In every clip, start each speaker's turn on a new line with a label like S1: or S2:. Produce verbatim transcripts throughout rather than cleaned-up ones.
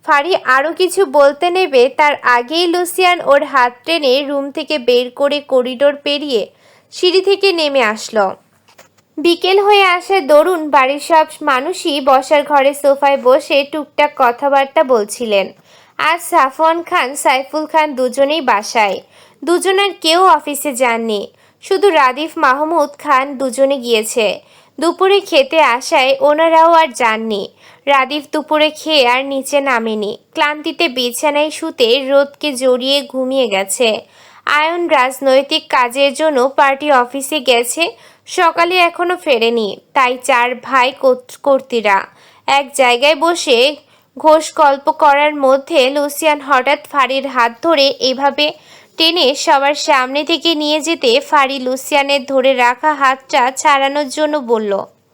S1: ফারি আরও কিছু বলতে নেবে তার আগেই লুসিয়ান ওর হাত টেনে রুম থেকে বের করে করিডোর পেরিয়ে সিঁড়ি থেকে নেমে আসলো। বিকেল হয়ে আসে দরুন বাড়ির সব মানুষই বসার ঘরে সোফায় বসে টুকটাক কথাবার্তা বলছিলেন। আজ সাফওয়ান খান সাইফুল খান দুজনেই বাসায়, দুজনের কেউ অফিসে যাননি, শুধু রাদিফ মাহমুদ খান দুজনে গিয়েছে। দুপুরে খেতে আসায় ওনারাও আর যাননি। রাদিফ দুপুরে খেয়ে আর নিচে নামেনি, ক্লান্তিতে বিছানায় শুতে রোদকে জড়িয়ে ঘুমিয়ে গেছে। আয়ন রাজনৈতিক কাজের জন্য পার্টি অফিসে গেছে, সকালে এখনো ফেরেনি। তাই চার ভাই কর্তীরা এক জায়গায় বসে ঘোষ গল্প করার মধ্যে লুসিয়ান হঠাৎ ফারির হাত ধরে এভাবে টেনে সবার সামনে থেকে নিয়ে যেতে ফারি লুসিয়ানের ধরে রাখা হাতটা ছাড়ানোর জন্য বলল,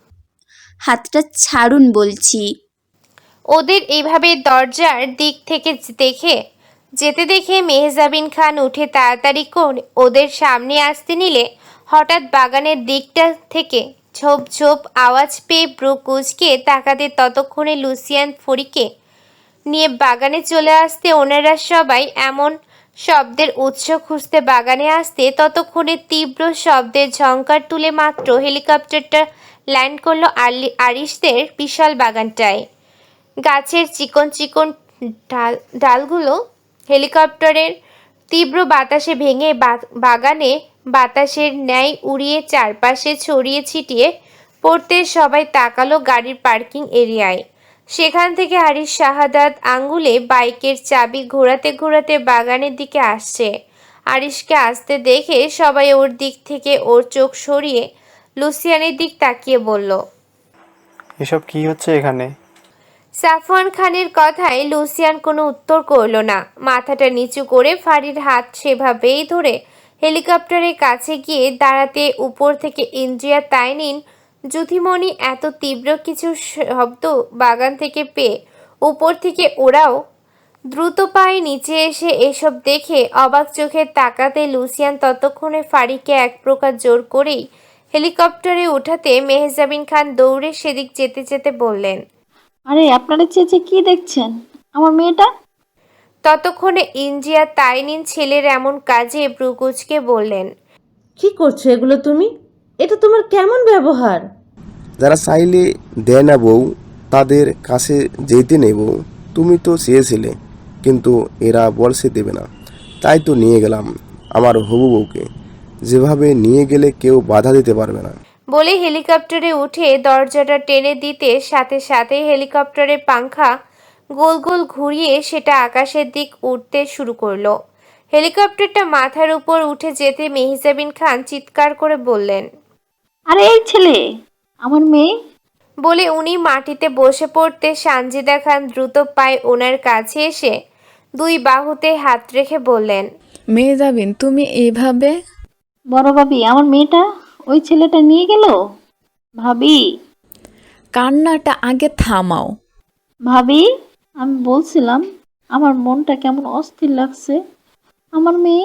S2: হাতটা ছাড়ুন বলছি।
S1: ওদের এইভাবে দরজার দিক থেকে দেখে যেতে দেখে মেহজাবিন খান উঠে তাড়াতাড়ি করে ওদের সামনে আসতে নিলে হঠাৎ বাগানের দিকটা থেকে ঝোপ ঝোপ আওয়াজ পেয়ে ব্রু কুচকে তাকাতে ততক্ষণে লুসিয়ান ফরিকে নিয়ে বাগানে চলে আসতে ওনারা সবাই এমন শব্দের উৎস খুঁজতে বাগানে আসতে ততক্ষণে তীব্র শব্দের ঝংকার তুলে মাত্র হেলিকপ্টারটা ল্যান্ড করলো আরিশদের বিশাল বাগানটায়। গাছের চিকন চিকন ডাল ডালগুলো হেলিকপ্টারের তীব্র বাতাসে ভেঙে বাগানে বাতাসের ন্যায় উড়িয়ে চারপাশে ছড়িয়ে ছিটিয়ে পড়তে সবাই তাকালো গাড়ির পার্কিং এরিয়ায়। সেখান থেকে হারিস শাহাদাত আঙ্গুলে বাইকের চাবি ঘোরাতে ঘোরাতে বাগানের দিকে আসছে। আরিশকে আসতে দেখে সবাই ওর দিক থেকে ওর চোখ সরিয়ে লুসিয়ানের দিক তাকিয়ে বলল,
S3: এসব কি হচ্ছে এখানে?
S1: সাফওয়ান খানের কথায় লুসিয়ান কোনো উত্তর করল না। মাথাটা নিচু করে ফারির হাত সেভাবেই ধরে হেলিকপ্টারের কাছে গিয়ে দাঁড়াতে উপর থেকে ইন্দ্রিয়া তাইনিন যুথিমণি এত তীব্র কিছু শব্দ বাগান থেকে পেয়ে উপর থেকে ওরাও দ্রুত পায়ে নিচে এসে এসব দেখে অবাক চোখে তাকাতে লুসিয়ান ততক্ষণে ফারিকে এক প্রকার জোর করেই হেলিকপ্টারে ওঠাতে মেহজাবিন খান দৌড়ে সেদিক যেতে যেতে বললেন,
S4: আরে আপনারা চেয়েছে কি দেখছেন? আমার মেয়েটা।
S1: ততক্ষণে ইন্দ্রিয়া তাইনিন ছেলের এমন কাজে ব্রুকুচকে বললেন,
S5: কি করছো এগুলো তুমি? এটা তোমার কেমন ব্যবহার?
S6: যারা চাইলে দেয় না বউ, তাদের কাছে যেতে নেই বউ। তুমি তো চেয়েছিলে, কিন্তু এরা বলছে দেবে না, তাই তো নিয়ে গেলাম আমার হবু বউকে। যেভাবে নিয়ে গেলে কেউ বাধা দিতে পারবে না।
S1: বলে হেলিকপ্টারে উঠে দরজাটা টেনে দিতে সাথে সাথে হেলিকপ্টারের পাংখা গোল গোল ঘুরিয়ে সেটা আকাশের দিক উঠতে শুরু করলো। হেলিকপ্টারটা মাথার উপর উঠে যেতে মেহজাবিন খান চিৎকার করে বললেন,
S4: আরে এই ছেলে আমার মেয়ে।
S1: বলে উনি মাটিতে বসে পড়তে সানজিদা খান দ্রুত পায়ে ওনার কাছে এসে দুই বাহুতে হাত রেখে বললেন,
S7: মেহজাবিন তুমি এভাবে?
S4: বড় ভাবি, আমার মেয়েটা ওই ছেলেটা নিয়ে গেল। ভাবি,
S7: কান্নাটা আগে থামাও।
S4: ভাবি, আমি বলছিলাম আমার মনটা কেমন অস্থির লাগছে। আমার মেয়ে।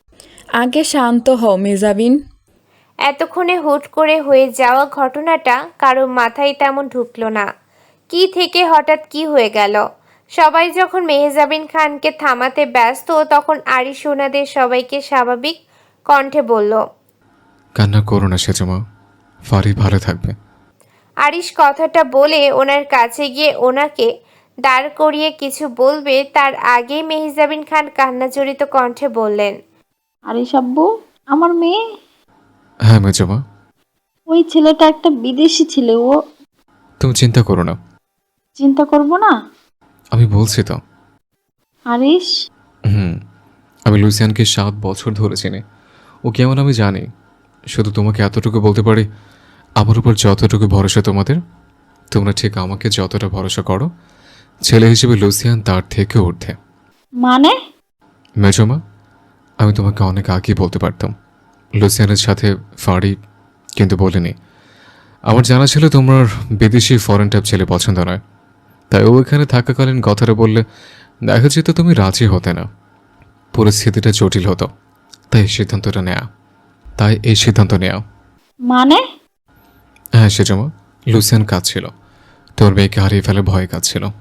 S7: আগে শান্ত হও মেহজাবিন।
S1: এতক্ষণে হুট করে হয়ে যাওয়া ঘটনাটা কারো মাথায় তেমন ঢুকলো না। কি থেকে হঠাৎ কি হয়ে গেল? সবাই যখন মেহজাবিন খানকে থামাতে ব্যস্ত তখন আরিশ ওনাদের সবাইকে স্বাভাবিক কণ্ঠে বলল,
S8: কান্না করো না সেজমা, ফারি ভালো থাকবে।
S1: আরিশ কথাটা বলে ওনার কাছে গিয়ে ওনাকে দাঁড় করিয়ে কিছু বলবে তার আগেই মেহজাবিন খান কান্নাজড়িত কণ্ঠে বললেন,
S4: আরে সাব্বু, আমার মেয়ে।
S8: হ্যাঁ মেজমা।
S4: ওই ছেলেটা একটা বিদেশি ছেলে। ও।
S8: তুমি চিন্তা করো না।
S4: চিন্তা করব না?
S8: আমি বলছি তো।
S4: আরিশ।
S8: হুম, আমি লুসিয়ানকে সাত বছর ধরে চিনি। ও কেমন আমি জানি। শুধু তোমাকে এতটুকু বলতে পারি, আমার উপর যতটুকু ভরসা তোমাদের, তোমরা ঠিক আমাকে যতটা ভরসা করো, ছেলে হিসেবে লুসিয়ান তার থেকে ঊর্ধ্বে।
S4: মানে?
S8: মেজমা, আমি তোমাকে অনেক আগেই বলতে পারতাম লুসিয়ানের সাথে ফাড়ি, কিন্তু বলিনি। আমার জানা ছিল তোমার বিদেশি ফরেন টাইপ ছেলে পছন্দ নয়, তাই ও এখানে থাকাকালীন কথাটা বললে দেখা যেত তুমি রাজি হতে না, পরিস্থিতিটা জটিল হতো। তাই সিদ্ধান্তটা নেয়া তাই এই সিদ্ধান্ত নেয়া।
S4: মানে?
S8: হ্যাঁ সেজমা, লুসিয়ান কাজ ছিল, তোর মেয়েকে হারিয়ে ফেলে ভয়ে কাজ ছিল,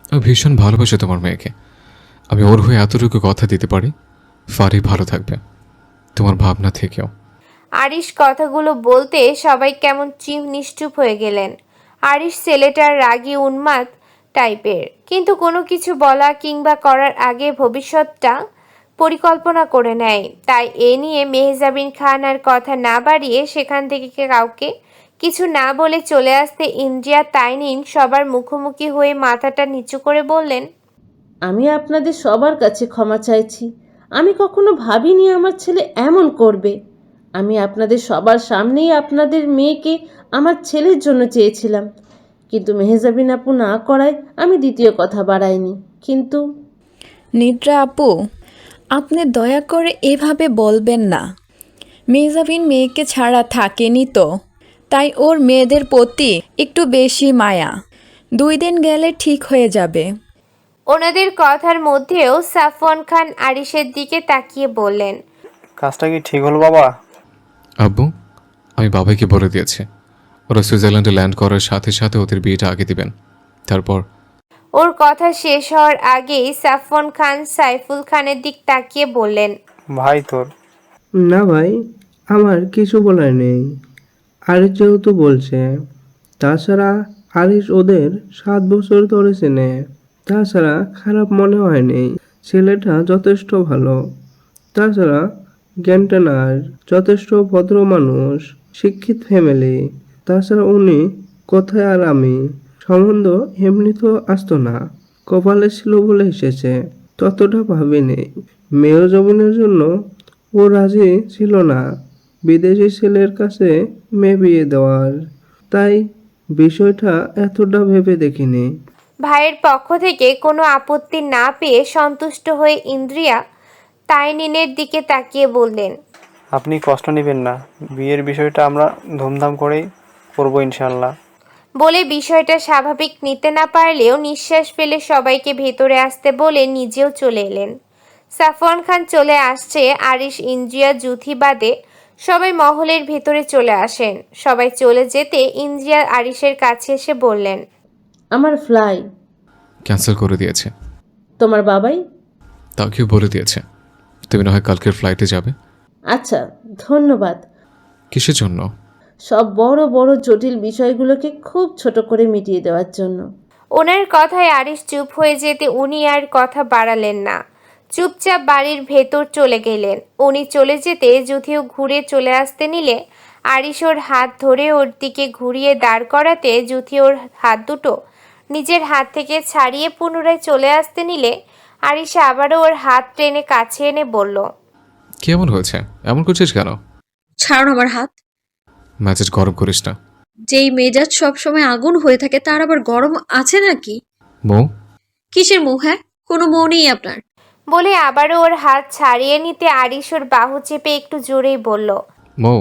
S8: আমি ভীষণ ভালোবাসি তোমার মেয়েকে। আমি ওর হয়ে এতটুকু কথা দিতে পারি, ফারি ভালো থাকবে তোমার ভাবনা থেকেও।
S1: আরিশ কথাগুলো বলতে সবাই কেমন চিম নিশ্চুপ হয়ে গেলেন। আরিশ ছেলেটার রাগী উন্মাদ টাইপের, কিন্তু কোনো কিছু বলা কিংবা করার আগে ভবিষ্যৎটা পরিকল্পনা করে নেয়। তাই এ নিয়ে মেহজাবিন খান আর কথা না বাড়িয়ে সেখান থেকে কাউকে কিছু না বলে চলে আসতে ইন্দ্রিয়া তাইনিন সবার মুখোমুখি হয়ে মাথাটা নিচু করে বললেন,
S5: আমি আপনাদের সবার কাছে ক্ষমা চাইছি। আমি কখনো ভাবিনি আমার ছেলে এমন করবে। আমি আপনাদের সবার সামনেই আপনাদের মেয়েকে আমার ছেলের জন্য চেয়েছিলাম, কিন্তু মেহজাবিন আপু না করায় আমি দ্বিতীয় কথা বাড়াইনি। কিন্তু
S7: নিদ্রা আপু, আপনি দয়া করে এভাবে বলবেন না। মেজাবিন মেয়েকে ছাড়া থাকেনি তো, তাই ওর মেয়েদের প্রতি একটু বেশি মায়া। দুই দিন গেলে ঠিক হয়ে যাবে।
S1: ওনাদের কথার মধ্যেও সাফওয়ান খান আরিশের দিকে তাকিয়ে বললেন,
S3: কাজটা কি ঠিক হলো বাবা?
S8: আব্বু, আমি বাবাইকে বলে দিয়েছি ওরা সুইজারল্যান্ডে ল্যান্ড করার সাথে সাথে ওদের বিয়েটা আগে দিবেন। তারপর
S1: ওর কথা শেষ হওয়ার আগেই সাফওয়ান খান সাইফুল খানের দিক তাকিয়ে বললেন,
S3: ভাই তোর
S9: না ভাই, আমার কিছু বলার নেই। আরিশ যেহেতু বলছে, তাছাড়া আরিশ ওদের সাত বছর ধরে চেনে। তাছাড়া খারাপ মনে হয়নি, ছেলেটা যথেষ্ট ভালো। তাছাড়া জ্ঞানটানার যথেষ্ট ভদ্র মানুষ, শিক্ষিত ফ্যামিলি। তাছাড়া উনি কোথায় আর আমি সম্বন্ধ এমনি তো আসতো না, কপালে ছিল বলে এসেছে, ততটা ভাবিনি। মেয়ের জমিনের জন্য ও রাজি ছিল না বিদেশি ছেলের কাছে মেয়ে বিয়ে দেওয়ার, তাই বিষয়টা এতটা ভেবে দেখিনি।
S1: ভাইয়ের পক্ষ থেকে কোনো আপত্তি না পেয়ে সন্তুষ্ট হয়ে ইন্দ্রিয়া তাইনিনের দিকে তাকিয়ে বললেন,
S3: আপনি কষ্ট নেবেন না, বিয়ের বিষয়টা আমরা ধুমধাম করেই করবো ইনশাল্লাহ।
S1: বলে বিষয়টা স্বাভাবিক নিতে না পারলেও নিঃশ্বাস ফেলে সবাইকে ভেতরে আসতে বলে নিজেও চলে এলেন। সাফওয়ান খান চলে আসছে, আরিশ ইন্দ্রিয়া জুথি বাদে সবাই মহলের ভেতরে চলে আসেন। সবাই চলে যেতে ইন্দ্রিয়া আরিশের কাছে এসে বললেন,
S5: আমার ফ্লাই
S8: ক্যান্সেল করে দিয়েছে।
S5: তোমার বাবাই?
S8: তাকেও বলে দিয়েছে তুমি না হয় কালকের ফ্লাইটে যাবে।
S5: আচ্ছা, ধন্যবাদ।
S8: কিসের জন্য?
S5: সব বড় বড় জটিল বিষয়গুলোকে খুব ছোট করে মিটিয়ে দেওয়ার জন্য।
S1: ওনার কথায় আরিশ চুপ হয়ে যেতে উনি আর কথা বাড়ালেন না, চুপচাপ বাড়ির ভেতর চলে গেলেন। উনি চলে যেতে যুথিও ঘুরে চলে আসতে নিলে আরিশ ওর হাত ধরে ওর দিকে ঘুরিয়ে দাঁড় করাতে যুথি ওর হাত দুটো নিজের হাত থেকে ছাড়িয়ে পুনরায় চলে আসতে নিলে আরিশ আবারও ওর হাত টেনে কাছে এনে বলল,
S8: কেমন হয়েছে? এমন করছিস কেন?
S10: ছাড়ুন আমার হাত।
S8: ম্যাচেস গরম করিস না।
S10: যেই মেজাজ সবসময় আগুন হয়ে থাকে তার আবার গরম আছে নাকি?
S8: মৌ,
S10: কিসের মোহ? হ্যাঁ, কোনো মোহ নেই আপনার।
S1: বলে আবারও ওর হাত ছাড়িয়ে নিতে আরিশ ওর বাহু চেপে একটু জোরেই বলল,
S8: মৌ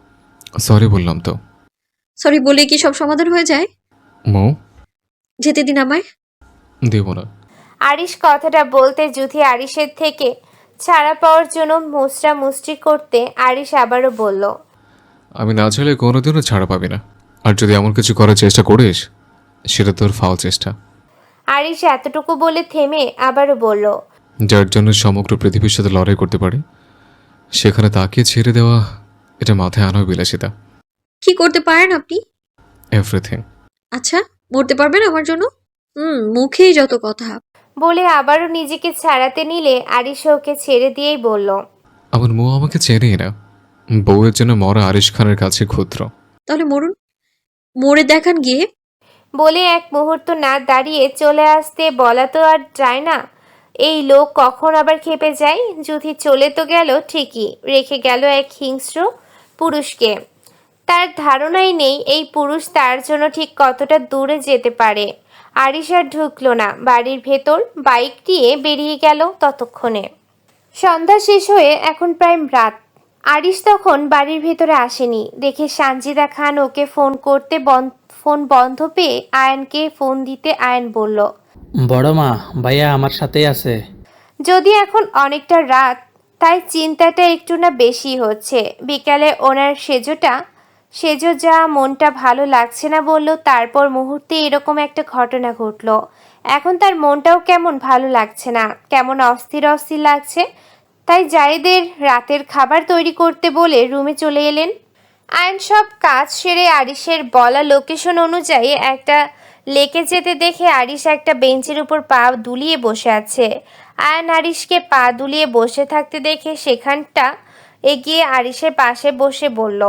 S8: সরি বললাম তো।
S10: সরি বলে কি সব সমাধান হয়ে যায়?
S8: মৌ,
S10: যেতে দিন আমায়।
S8: দেব না।
S1: আরিশ কথাটা বলতে যুথি আরিশের থেকে ছাড়া পাওয়ার জন্য মুচড়া মুচড়ি করতে আরিশ আবারও বলল,
S8: আমি না চাইলে কোনোদিনও ছাড়া পাবি না। আর যদি এমন কিছু করার চেষ্টা করিস সেটা তোর ফাউল চেষ্টা।
S1: আরিশ এতটুকু বলে থেমে আবারও বলল,
S8: যার জন্য সমগ্র পৃথিবীর সাথে লড়াই করতে পারি সেখানে তাকে ছেড়ে দেওয়া, এটা মাথায় আনা বিলাসিতা।
S10: কি করতে পারেন আপনি?
S8: এভরিথিং।
S10: আচ্ছা, মরতে পারবেন আমার জন্য? হুম, মুখেই যত কথা।
S1: বলে আবারও নিজেকে ছাড়াতে নিলে আরিশ ওকে ছেড়ে দিয়েই বলল,
S8: আমার মৌ আমাকে চেনেই না। বউয়ের জন্য মরা আরিশ খানের কাছে ক্ষুদ্র।
S10: তাহলে মরুন, মরে দেখান গিয়ে।
S1: বলে এক মুহূর্ত না দাঁড়িয়ে চলে আসতে বলা তো আর যায় না, এই লোক কখন আবার খেপে যায়। যুথি চলে তো গেল ঠিকই, রেখে গেল এক হিংস্র পুরুষকে। তার ধারণাই নেই এই পুরুষ তার জন্য ঠিক কতটা দূরে যেতে পারে। আরিশ আর ঢুকলো না বাড়ির ভেতর, বাইক দিয়ে বেরিয়ে গেল। ততক্ষণে সন্ধ্যা শেষ হয়ে এখন প্রায় রাত। আরিশ তখন বাড়ির ভেতরে আসেনি দেখে সানজিদা খান ওকে ফোন করতে ফোন বন্ধ পেয়ে আয়ানকে ফোন দিতে আয়ান বলল,
S11: বড় মা, ভাইয়া আমার সাথেই আছে।
S1: যদি এখন অনেকটা রাত তাই চিন্তাটা একটু না বেশি হচ্ছে। বিকালে ওনার সেজোটা সেজো যা মনটা ভালো লাগছে না বলল, তারপর মুহূর্তে এরকম একটা ঘটনা ঘটলো। এখন তার মনটাও কেমন ভালো লাগছে না, কেমন অস্থির অস্থির লাগছে। তাই জায়েদের রাতের খাবার তৈরি করতে বলে রুমে চলে এলেন। আয়ন সব কাজ সেরে আরিশের বলা লোকেশন অনুযায়ী একটা লেকে যেতে দেখে আরিশ একটা বেঞ্চের উপর পা দুলিয়ে বসে আছে। আয়ন আরিশকে পা দুলিয়ে বসে থাকতে দেখে সেখানটা এগিয়ে আরিশের পাশে বসে বলল।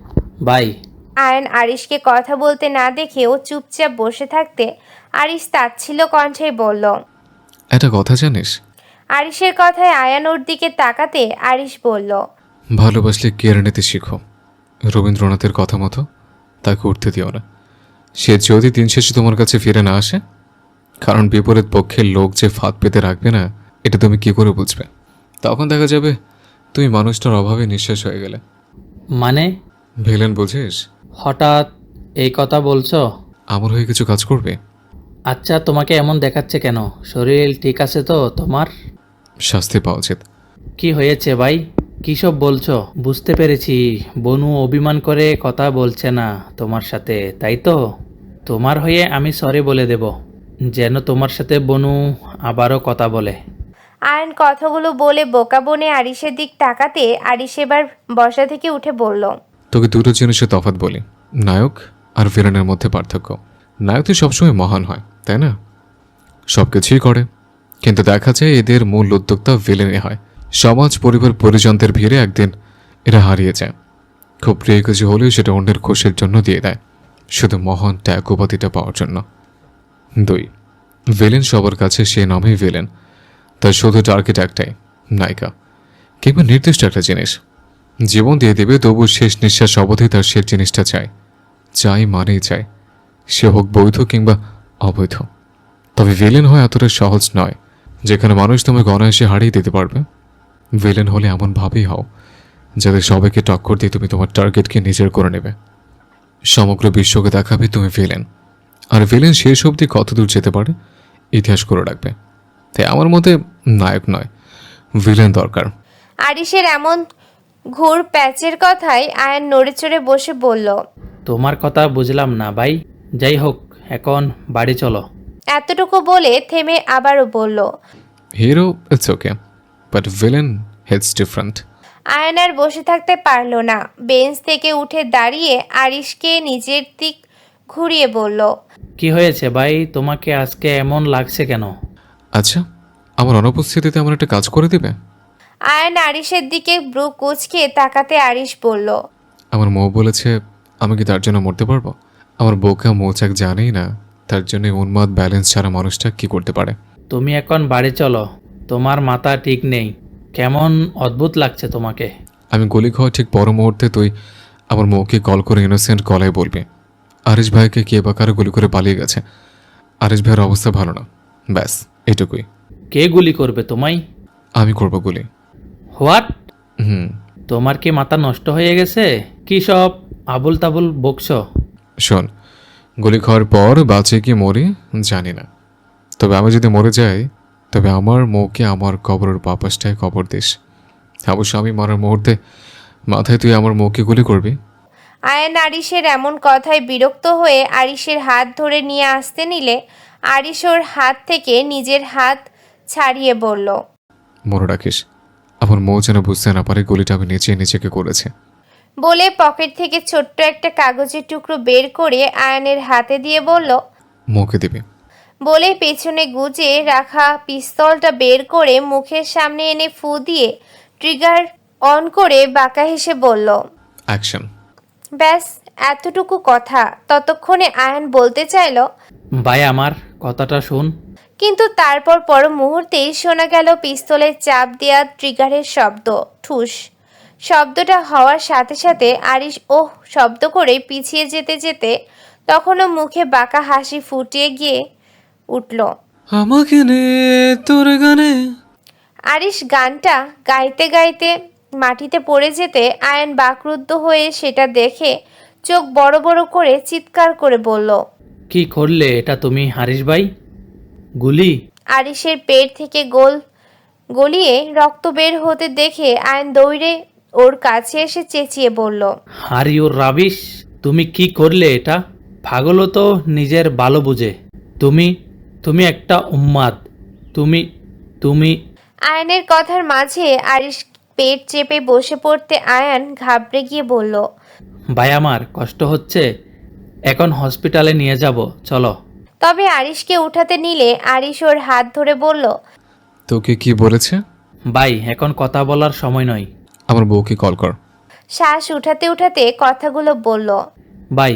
S11: ভাই
S1: আয়ন আরিশকে কথা বলতে না দেখেও চুপচাপ বসে থাকতে আরিশ তাচ্ছিল্য কণ্ঠে বলল,
S8: একটা কথা জানিস?
S1: আরিশের কথায় আয়ান ওর দিকে তাকাতে আরিশ বলল,
S8: ভালোবাসলে কেড়ে নিতে শিখো। রবীন্দ্রনাথের কথা মতো তাকে উঠতে দিও না। সে যদি দিন শেষে তোমার কাছে ফিরে না আসে, কারণ বিপরীত পক্ষের লোক যে ফাঁদ পেতে রাখবে না, এটা তুমি কি করে বুঝবে? তখন দেখা যাবে তুমি মানুষটার অভাবে নিঃশেষ হয়ে গেলে।
S11: মানে
S8: ভিলেন বুঝিস?
S11: হঠাৎ এই কথা বলছো?
S8: আমার হয়ে কিছু কাজ করবে?
S11: আচ্ছা, তোমাকে এমন দেখাচ্ছে কেন? শরীর ঠিক আছে তো তোমার?
S8: শাস্তি পাওয়া উচিত।
S11: কি হয়েছে ভাই? কী সব বলছো? বুঝতে পেরেছি, বনু অভিমান করে কথা বলছে না তোমার সাথে, তাই তো? তোমার হয়ে আমি সরি বলে দেব, যেন তোমার সাথে বনু আবারও কথা বলে।
S1: আয়ন কথাগুলো বলে বোকা বনে আরিশের দিক তাকাতে আরিশ এবার বসা থেকে উঠে বলল,
S8: তোকে দুটো জিনিসের তফাৎ বলি, নায়ক আর ভিলেনের মধ্যে পার্থক্য। নায়ক তো সবসময় মহান হয়, তাই না? সব কিছুই করে, কিন্তু দেখা যায় এদের মূল উদ্যোক্তা ভিলেনে হয়। সমাজ, পরিবার, পরিজনদের ভিড়ে একদিন এরা হারিয়ে যায়। খুব প্রিয় কিছু হলেও সেটা অন্যের খুশির জন্য দিয়ে দেয়, শুধু মহান ত্যাগ উপাধিটা পাওয়ার জন্য। দুই, ভিলেন সবার কাছে সে নামেই ভিলেন, তার শুধু টার্গেট একটাই, নায়িকা কিংবা নির্দিষ্ট একটা জিনিস। জীবন দিয়ে দেবে, তবু শেষ নিঃশ্বাস অবধি তার শেষ জিনিসটা চাই। চাই মানেই চাই, সে হোক বৈধ কিংবা অবৈধ। তবে ভিলেন হয় এতটা সহজ নয় যেখানে মানুষ তোমাকে অনায়াসে হারিয়ে দিতে পারবে। ভিলেন হলে এমনভাবেই হও যাতে সবাইকে টক্কর দিয়ে তুমি তোমার টার্গেটকে নিজের করে নেবে, সমগ্র বিশ্বকে দেখাবে তুমি ভিলেন। আর ভিলেন শেষ অবধি কতদূর যেতে পারে ইতিহাস করে রাখবে। তাই আমার মতে নায়ক নয়, ভিলেন দরকার।
S1: আরিশের এমন ঘুর প্যাচের কথায় আয়ন নড়ে চড়ে বসে বলল,
S11: তোমার কথা বুঝলাম না ভাই। যাই হোক, এখন বাড়ি চলো।
S1: এতটুকু বলে থেমে আবারও বলল,
S8: hero it's okay, but villain hits different.
S1: Ayan আর বসে থাকতে পারল না, বেঞ্চ থেকে উঠে দাঁড়িয়ে আরিশকে নিজের দিক ঘুরিয়ে বলল,
S11: কি হয়েছে ভাই, তোমাকে আজকে এমন লাগছে কেন?
S8: আচ্ছা, আমার অনুপস্থিতিতে আমার একটা কাজ করে দিবে?
S1: আয়ন আরিশের দিকে ব্রু কুচকে তাকাতে আরিশ বলল,
S8: আমার মৌ বলেছে আমি কি তার জন্য মরতে পারবো? আমার বোকা মৌচাক জানেই না তার জন্য উন্মাদ ব্যালেন্স ছাড়া মানুষটা কি করতে পারে।
S11: তুমি এখন বাড়ি চলো, তোমার মাথা ঠিক নেই, কেমন অদ্ভুত লাগছে তোমাকে।
S8: আমি গুলি খাওয়া ঠিক পর মুহূর্তে তুই আমার মৌকে কল করে ইনোসেন্ট কলাই বলবি আরিশ ভাইকে কে বা কারো গুলি করে পালিয়ে গেছে। আরিশ ভাইয়ের অবস্থা ভালো না, ব্যাস এটুকুই।
S11: কে গুলি করবে তোমায়?
S8: আমি করবো গুলি।
S11: হোয়াট?
S8: হুম।
S11: তোমার কি মাথা নষ্ট হয়ে গেছে? কি সব আবুল তাবুল বকছ?
S8: শোন, গুলি খাওয়ার পর বাঁচে কি মরি জানি না, তবে আমি যদি মরে যাই তবে আমার মৌকে আমার কবরের বাপাসটায় কবর দিস। অবশ্য আমি মরার মুহূর্তে মাথায় তুই আমার মৌকে গুলি করবি।
S1: আয়ন আরিশের এমন কথায় বিরক্ত হয়ে আরিশের হাত ধরে নিয়ে আসতে নিলে আরিশ ওর হাত থেকে নিজের হাত ছাড়িয়ে বলল,
S8: মনে রাখিস আমার মৌ যেন বুঝতে না পারে গুলিটা আমি নিচে নিজেকে করেছে।
S1: বলে পকেট থেকে ছোট্ট একটা কাগজের টুকরো বের করে আয়নের হাতে দিয়ে বলল,
S8: মৌকে দিবি।
S1: বলে পেছনে গুজে রাখা পিস্তলটা বের করে মুখের সামনে এনে ফু দিয়ে ট্রিগার অন করে বাঁকা হেসে বলল,
S8: অ্যাকশন।
S1: ব্যাস এতটুকু কথা। ততক্ষণে আয়ন বলতে চাইল,
S11: ভাই আমার কথাটা শুন।
S1: কিন্তু তারপর পর মুহূর্তেই শোনা গেল পিস্তলের চাপ দেওয়া ট্রিগারের শব্দ। ঠুস শব্দটা হওয়ার সাথে সাথে আরিশ ওহ শব্দ করে পিছিয়ে যেতে যেতে তখনও মুখে বাঁকা হাসি ফুটিয়ে গিয়ে উঠল,
S3: আমাকে নে তোর গানে।
S1: আরিশ গানটা গাইতে গাইতে মাটিতে পড়ে যেতে আয়ন বাকরুদ্ধ হয়ে সেটা দেখে চোখ বড় বড় করে চিৎকার করে বলল,
S11: কি করলে এটা তুমি হারিস ভাই? গুলি?
S1: আরিশের পেট থেকে গোল গলিয়ে রক্ত বের হতে দেখে আয়ন দৌড়ে ওর কাছে এসে চেঁচিয়ে বলল,
S11: আর ইউর রাবিশ, তুমি কি করলে এটা? পাগলও তো নিজের ভালো বুঝে। তুমি তুমি একটা উম্মাদ। তুমি তুমি
S1: আয়ানের কথার মাঝে আরিশ পেট চেপে বসে পড়তে আয়ান ঘাবড়ে গিয়ে বলল,
S11: ভাই আমার কষ্ট হচ্ছে, এখন হসপিটালে নিয়ে যাব, চলো।
S1: তবে আরিশকে উঠাতে নিলে আরিশ ওর হাত ধরে বলল,
S8: তোকে কি বলেছে?
S11: ভাই এখন কথা বলার সময় নয়।
S8: আমার বউকে কল কর।
S1: শ্বাস উঠাতে উঠাতে কথাগুলো বলল।
S11: ভাই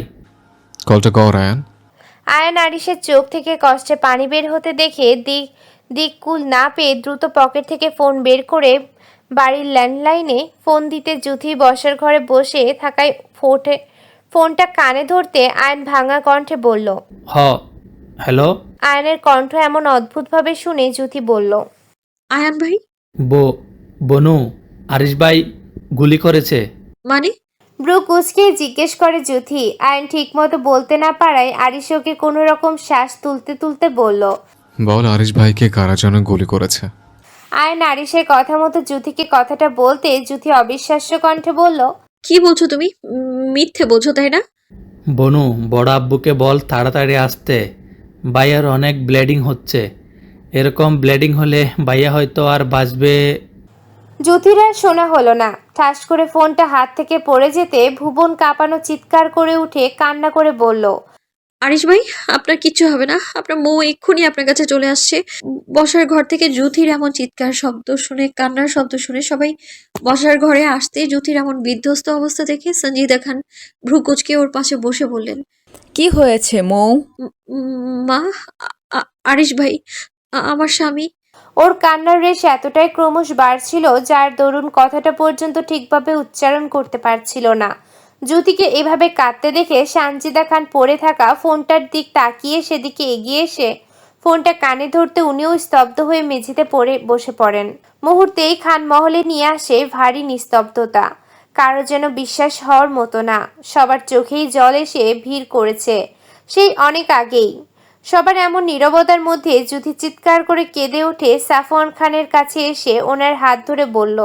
S8: কলটা কর আয়ান।
S1: আয়ান আরিশের চোখ থেকে কষ্টে পানি বের হতে দেখে দিক দিককুল না পেয়ে দ্রুত পকেট থেকে ফোন বের করে বাড়ির ল্যান্ডলাইনে ফোন দিতে জুথি বসার ঘরে বসে থাকায় ফোটে ফোনটা কানে ধরতে আয়ন ভাঙা কণ্ঠে বলল,
S11: হ হ্যালো।
S1: আয়নের কণ্ঠ এমন অদ্ভুতভাবে শুনে জুথি বলল,
S10: আয়ান ভাই,
S11: বো বনু, আরিশ ভাই গুলি করেছে।
S10: মানে?
S1: ব্রু কুচকে জিজ্ঞেস করে জুথি। আয়ন ঠিকমতো বলতে না পারায় আরিশ ওকে কোনো রকম শ্বাস তুলতে তুলতে বলল,
S8: বল আরিশ ভাইকে কারা যেন গুলি করেছে।
S1: আয়ন আরিশের কথা মতো জুথিকে কথাটা বলতে জুথি অবিশ্বাস্য কণ্ঠে বলল,
S10: কি বলছো তুমি? উম, মিথ্যে বলছো তাই না?
S11: বনু, বড় আব্বুকে বল তাড়াতাড়ি আসতে, ভাইয়ার অনেক ব্লিডিং হচ্ছে। এরকম ব্লিডিং হলে ভাইয়া হয়তো আর বাঁচবে।
S1: জুথির আর শোনা হলো না। ঠাস করে ফোনটা হাত থেকে পড়ে যেতে ভুবন কাঁপানো চিৎকার করে উঠে কান্না করে বলল,
S10: আরিশ ভাই, আপনার কিচ্ছু হবে না। আপনার মৌ এক্ষুনি আপনার কাছে চলে আসছে। বসার ঘর থেকে জুথির এমন চিৎকার শব্দ শুনে, কান্নার শব্দ শুনে সবাই বসার ঘরে আসতে জুথির এমন বিধ্বস্ত অবস্থা দেখে সঞ্জিদা খান ভ্রুকুচকে ওর পাশে বসে বললেন,
S7: কি হয়েছে মৌ?
S10: "উম, উম, মা, আ- আ- আরিশ ভাই, আ- আমার স্বামী।"
S1: ওর কান্নার রেশ এতটাই ক্রমশ বাড়ছিল যার দরুন কথাটা পর্যন্ত ঠিকভাবে উচ্চারণ করতে পারছিল না। জ্যোতিকে এভাবে কাঁদতে দেখে সানজিদা খান পড়ে থাকা ফোনটার দিক তাকিয়ে সেদিকে এগিয়ে এসে ফোনটা কানে ধরতে উনিও স্তব্ধ হয়ে মেঝেতে পড়ে বসে পড়েন। মুহূর্তেই খান মহলে নিয়ে আসে ভারী নিস্তব্ধতা। কারো যেন বিশ্বাস হওয়ার মতো না। সবার চোখেই জল এসে ভিড় করেছে সেই অনেক আগেই। সবার এমন নীরবতার মধ্যে জুথি চিৎকার করে কেঁদে উঠে সাফওয়ান খানের কাছে এসে ওনার হাত ধরে বলল,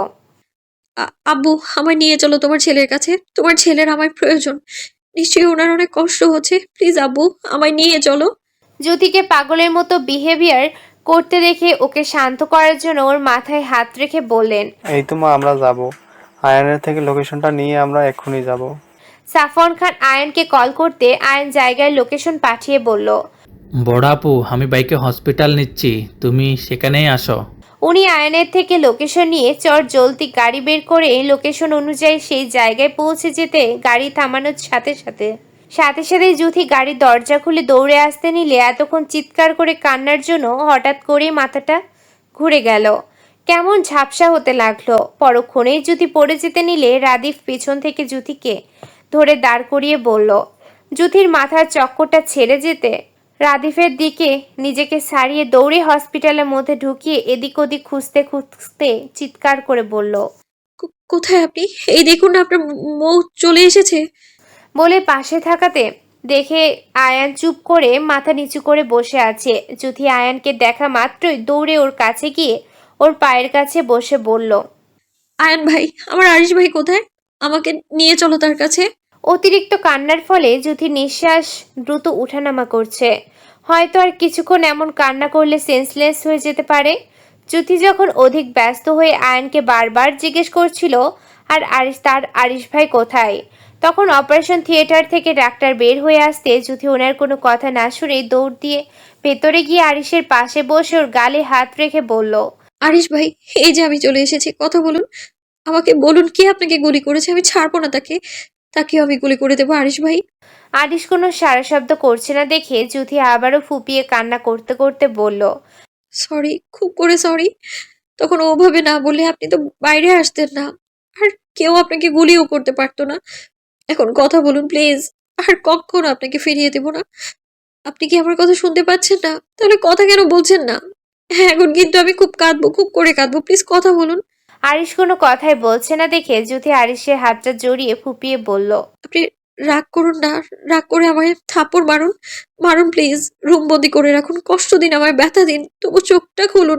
S10: আ- আব্বু, আমায় নিয়ে চলো তোমার ছেলের কাছে। তোমার ছেলের আমার প্রয়োজন। নিশ্চয়ই ওনার অনেক কষ্ট হচ্ছে। প্লিজ আব্বু, আমায় নিয়ে চলো।
S1: জ্যোতিকে পাগলের মতো বিহেভিয়ার করতে দেখে ওকে শান্ত করার জন্য ওর মাথায় হাত রেখে বললেন,
S3: এই তো মা, আমরা যাব। আয়ানের থেকে লোকেশনটা নিয়ে আমরা এক্ষুনি যাব।
S1: সাফওয়ান খান আয়নকে কল করতে আয়ন জায়গায় লোকেশন পাঠিয়ে বলল,
S11: বড় আপু, আমি বাইকে হসপিটাল নিচ্ছি, তুমি সেখানেই আসো।
S1: উনি আয়নের থেকে লোকেশন নিয়ে চট জলদি গাড়ি বের করে লোকেশন অনুযায়ী সেই জায়গায় পৌঁছে যেতে গাড়ি থামানোর সাথে সাথে সাথে সাথে জুথি গাড়ির দরজা খুলে দৌড়ে আসতে নিলে এতক্ষণ চিৎকার করে কান্নার জন্য হঠাৎ করেই মাথাটা ঘুরে গেল। কেমন ঝাপসা হতে লাগলো। পরক্ষণেই জুথি পড়ে যেতে নিলে রাদিফ পেছন থেকে জুথিকে ধরে দাঁড় করিয়ে বলল, জুথির মাথার চক্করটা ছেড়ে যেতে রাদিফের দিকে নিজেকে ছাড়িয়ে দৌড়ে হসপিটালের মধ্যে ঢুকিয়ে এদিক ওদিক খুঁজতে খুঁজতে চিৎকার করে বলল,
S10: কো- কোথায় আপনি? এই দেখুন না, আপনার মৌ চলে এসেছে।
S1: বলে পাশে থাকাতে দেখে আয়ান চুপ করে মাথা নিচু করে বসে আছে। জুথি আয়ানকে দেখা মাত্রই দৌড়ে ওর কাছে গিয়ে ওর পায়ের কাছে বসে বলল,
S10: আয়ান ভাই, আমার আরিশ ভাই কোথায়? আমাকে নিয়ে চলো তার কাছে।
S1: অতিরিক্ত কান্নার ফলে জুথি নিঃশ্বাস দ্রুত উঠানামা করছে। হয়তো আর কিছুক্ষণ এমন কান্না করলে সেন্সলেস হয়ে যেতে পারে। জুথি যখন অধিক ব্যস্ত হয়ে আয়নকে বারবার জিজ্ঞেস করছিল আর আরিশ তার আরিশ ভাই কোথায়, তখন অপারেশন থিয়েটার থেকে ডাক্তার বের হয়ে আসতে জুথি ওনার কোনো কথা না শুনে দৌড় দিয়ে ভেতরে গিয়ে আরিশের পাশে বসে ওর গালে হাত রেখে বলল,
S10: আরিশ ভাই, এই যে আমি চলে এসেছি। কথা বলুন, আমাকে বলুন কে আপনাকে গুলি করেছে। আমি ছাড়বো না তাকে। তাকেও আমি গুলি করে দেবো আরিশ ভাই।
S1: আরিশ কোনো সারা শব্দ করছে না দেখে জুথি আবারও ফুপিয়ে কান্না করতে করতে বলল,
S10: সরি, খুব করে সরি। তখন ওভাবে না বললে আপনি তো বাইরে আসতেন না, আর কেউ আপনাকে গুলিও করতে পারতো না। এখন কথা বলুন প্লিজ। আর কখনো আপনাকে ফিরিয়ে দেব না। আপনি কি আমার কথা শুনতে পাচ্ছেন না? তাহলে কথা কেন বলছেন না? হ্যাঁ, এখন কিন্তু আমি খুব কাঁদবো, খুব করে কাঁদবো। প্লিজ কথা বলুন।
S1: আরিশ কোনো কথাই বলছে না দেখে জুথি আরিশের হাতটা জড়িয়ে ফুপিয়ে বলল,
S10: আপনি রাগ করুন না। রাগ করে আমায় থাপ্পড় মারুন। মারুন প্লিজ। রুম বন্দি করে রাখুন। কষ্ট দিন, আমায় ব্যথা দিন। তবু চোখটা খুলুন।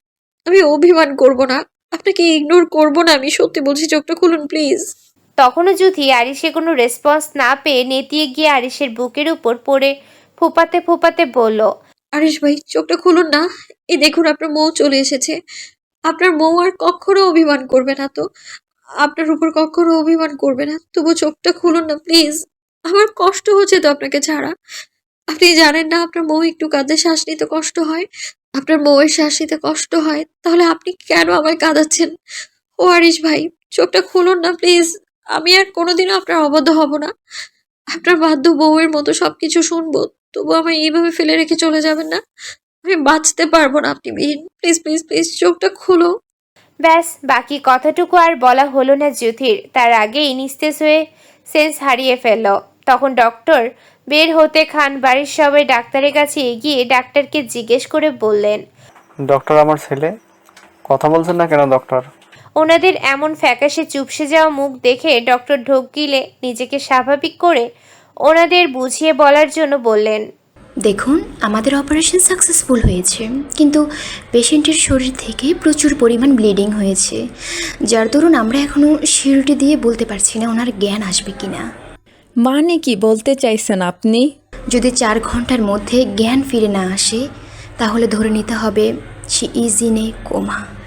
S10: আমি অভিমান করব না। আপনাকে ইগনোর করব না। আমি সত্যি বলছি, চোখটা খুলুন প্লিজ।
S1: তখনও জুথি আরিশে কোনো রেসপন্স না পেয়ে নেতিয়ে গিয়ে আরিশের বুকের উপর পড়ে ফোপাতে ফোপাতে বলল,
S10: আরিশ ভাই চোখটা খুলুন না। এই দেখুন আপনার মৌ চলে এসেছে। আপনার মৌ আর কখনো অভিমান করবে না তো, আপনার উপর কখনো অভিমান করবে না। তবু চোখটা খুলুন না প্লিজ। আমার কষ্ট হচ্ছে তো আপনাকে ছাড়া। আপনি জানেন না আপনার মৌ একটু কাঁদলে শ্বাস নিতে কষ্ট হয়, আপনার মৌয়ের শ্বাস নিতে কষ্ট হয়, তাহলে আপনি কেন আমায় কাঁদাচ্ছেন? ও আরিশ ভাই চোখটা খুলুন না প্লিজ। আমি আর কোনোদিনও আপনার অবাধ্য হব না। আপনার বাধ্য বউয়ের মতো সবকিছু শুনবো, তবু আমায় এইভাবে ফেলে রেখে চলে যাবেন না। আমি বাঁচতে পারবো না আপনি বিহীন। প্লিজ প্লিজ প্লিজ চোখটা খুলো।
S1: ব্যাস বাকি কথাটুকু আর বলা হলো না জ্যোতির। তার আগেই নিস্তেজ হয়ে সেন্স হারিয়ে ফেলল। তখন ডক্টর বের হতে খান বাড়ির সবাই ডাক্তারের কাছে এগিয়ে ডাক্তারকে জিজ্ঞেস করে বললেন,
S3: ডক্টর আমার ছেলে কথা বলছেন না কেন ডক্টর?
S1: ওনাদের এমন ফ্যাকাশে চুপসে যাওয়া মুখ দেখে ডক্টর ঢোক গিলে নিজেকে স্বাভাবিক করে ওনাদের বুঝিয়ে বলার জন্য বললেন,
S12: দেখুন আমাদের অপারেশন সাকসেসফুল হয়েছে, কিন্তু পেশেন্টের শরীর থেকে প্রচুর পরিমাণ ব্লিডিং হয়েছে, যার দরুন আমরা এখনও শিরুটি দিয়ে বলতে পারছি না ওনার জ্ঞান আসবে কিনা।
S7: মানে কি বলতে চাইছেন আপনি?
S12: যদি চার ঘন্টার মধ্যে জ্ঞান ফিরে না আসে তাহলে ধরে নিতে হবে সে ইজ ইন এ কোমা।